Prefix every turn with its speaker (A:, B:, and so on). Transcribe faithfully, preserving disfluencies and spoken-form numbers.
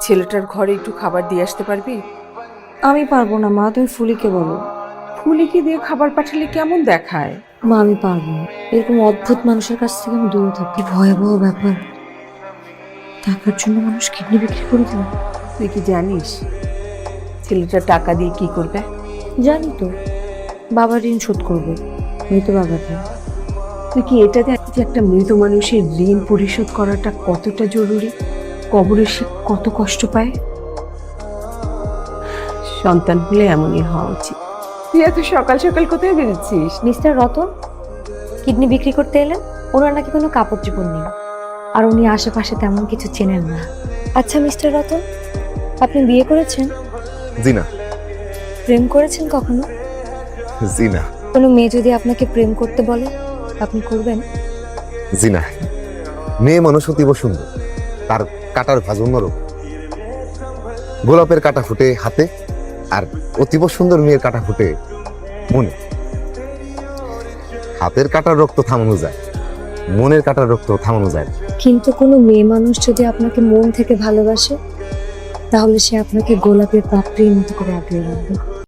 A: ছেলেটার ঘরে একটু খাবার দিয়ে আসতে পারবি?
B: আমি পারবো না মা, তুমি ফুলিকে বলো।
A: ফুলিকে দিয়ে খাবার পাঠালে কেমন দেখায়?
B: মা আমি পারবো না, এরকম অদ্ভুত মানুষের কাছ থেকে আমি দূরে থাকি। ভয়াবহ ব্যাপার, টাকার জন্য মানুষ কিডনি বিক্রি করে দেবে।
A: তুই কি জানিস ছেলেটা টাকা দিয়ে কি করবে?
B: জানি তো, বাবার ঋণ শোধ করবে, মৃত বাবার ঋণ।
A: তুই কি এটা জানিস যে একটা মৃত মানুষের ঋণ পরিশোধ করাটা কতটা জরুরি? কবরে সে কত কষ্ট পায়। সন্তান হলে এমনই হওয়া উচিত। তুই এত সকাল সকাল কোথায় বেরোচ্ছিস?
B: মিস্টার রতন কিডনি বিক্রি করতে এলেন। ওনার নাকি কোনো কাপড় চোপড় নেই, আর উনি আশেপাশে তেমন কিছু চেনেন না। আচ্ছা মিস্টার রতন, আপনি বিয়ে করেছেন?
C: জি না।
B: প্রেম করেছেন কখনো?
C: জি না।
B: কোনো মেয়ে যদি আপনাকে প্রেম করতে বলে, আপনি করবেন?
C: জি না। মেয়ে মানুষ অতীব সুন্দর, তার কাটার ভাঁজ অন্যরকম। গোলাপের কাটা ফুটে হাতে, আর অতীব সুন্দর মেয়ের কাটা ফুটে মনে। হাতের কাটার রক্ত থামানো যায়, মনের কাটার রক্ত থামানো যায় না।
B: কিন্তু কোনো মেয়ে মানুষ যদি আপনাকে মন থেকে ভালোবাসে, তাহলে সে আপনাকে গোলাপের পাপড়ির মতো করে আগলে রাখবে।